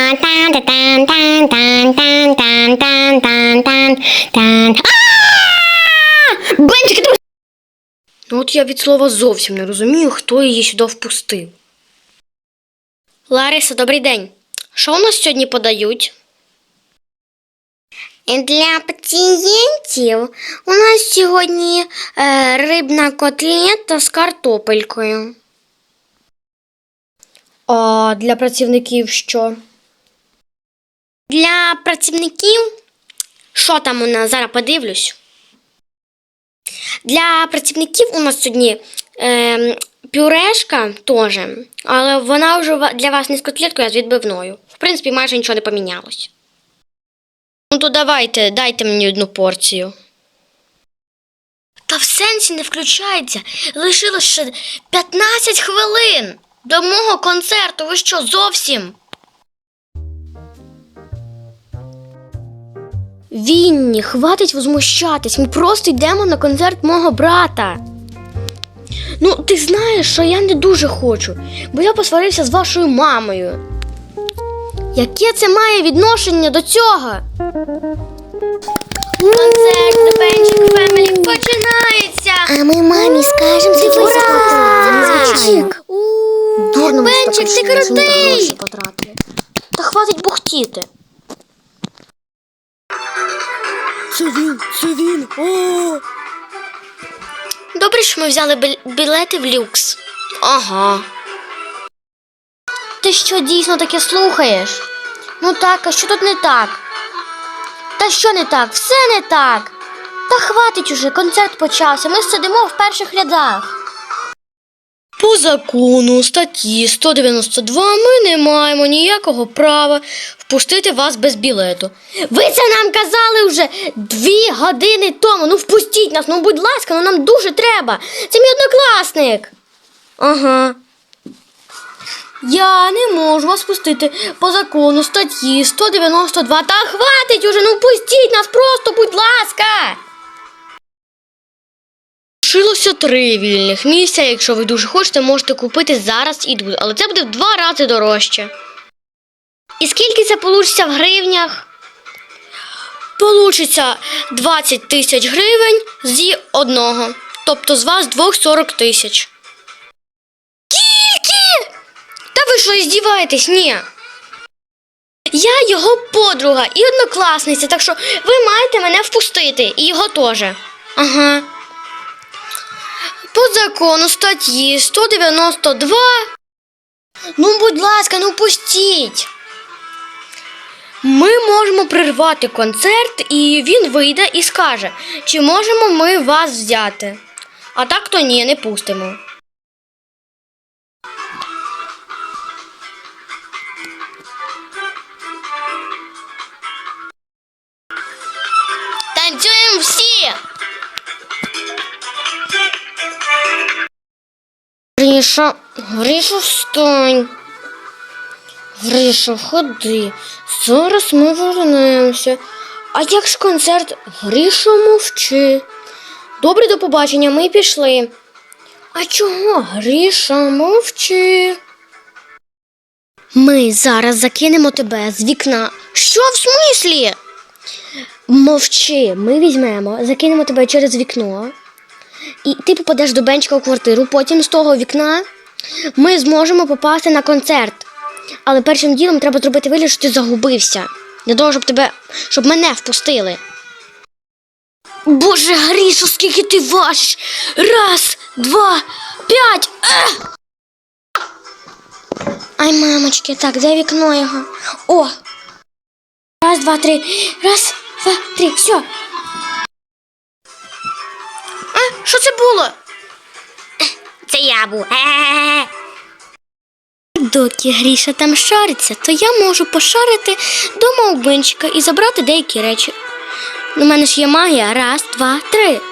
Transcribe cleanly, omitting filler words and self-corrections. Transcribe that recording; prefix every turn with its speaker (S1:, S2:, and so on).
S1: Бенчик, ти... Ну от я від слова зовсім не розумію, хто її сюди впустив. Лариса, добрий день. Що у нас сьогодні подають?
S2: Для пацієнтів у нас сьогодні рибна котлета з картопелькою.
S1: А для працівників що?
S2: Для працівників, що там у нас, зараз подивлюсь. Для працівників у нас сьогодні пюрешка теж, але вона вже для вас не з котлеткою, а з відбивною. В принципі, майже нічого не помінялось.
S1: Ну то давайте, дайте мені одну порцію.
S2: Та в сенсі не включається. Лишилось ще 15 хвилин до мого концерту. Ви що, зовсім?
S1: Вінні, хватить возмущатись, ми просто йдемо на концерт мого брата. Ну, ти знаєш, що я не дуже хочу, бо я посварився з вашою мамою. Яке це має відношення до цього?
S2: Концерт The Benchik Family починається!
S3: А ми мамі скажемо, скільки ми заплатили.
S1: Дурно ми
S2: Бенчик,
S1: так
S2: ти
S1: вирішили, що ми там
S2: крутий!
S1: гроші потратили. Та хватить бухтіти. Це він, о!
S2: Добре, що ми взяли білети в люкс.
S1: Ага. Ти що, дійсно таке слухаєш? Ну так, а що тут не так? Та що не так? Все не так. Та хватить уже, концерт почався, ми сидимо в перших рядах. По закону статті 192 ми не маємо ніякого права впустити вас без білету. Ви це нам казали вже 2 години тому. Ну впустіть нас, ну будь ласка, ну нам дуже треба. Це мій однокласник. Ага. Я не можу вас пустити по закону статті 192. Та хватить уже, ну впустіть нас просто, будь ласка. Лишилося 3 вільних місця. Якщо ви дуже хочете, можете купити зараз і тут. Але це буде в 2 рази дорожче. І скільки це получиться в гривнях? Получиться 20 тисяч гривень зі одного. Тобто з вас 40 тисяч. Скільки? Та ви що, здіваєтесь? Ні. Я його подруга і однокласниця, так що ви маєте мене впустити. І його теж. Ага. По закону статті 192. Ну, будь ласка, ну пустіть. Ми можемо прервати концерт, і він вийде і скаже, чи можемо ми вас взяти. А так то ні, не пустимо. Танцюємо всі! Гриша, встань. Гриша, ходи. Зараз ми вернемося. А як ж концерт? Гриша, мовчи. Добре, до побачення, ми пішли. А чого? Гриша, мовчи. Ми зараз закинемо тебе з вікна. Що в смислі? Мовчи, ми візьмемо, закинемо тебе через вікно. І ти попадеш до Бенчика у квартиру, потім з того вікна ми зможемо попасти на концерт. Але першим ділом треба зробити вигляд, що ти загубився. Для того, щоб мене впустили. Боже, Грішо, скільки ти важиш? 1, 2, 5. Ай, мамочки, так, де вікно його? О! 1, 2, 3. 1, 2, 3, все. А, що це було?
S2: Це я був.
S1: Доки Гріша там шариться, то я можу пошарити дома у Бенчика і забрати деякі речі. У мене ж є магія. 1, 2, 3.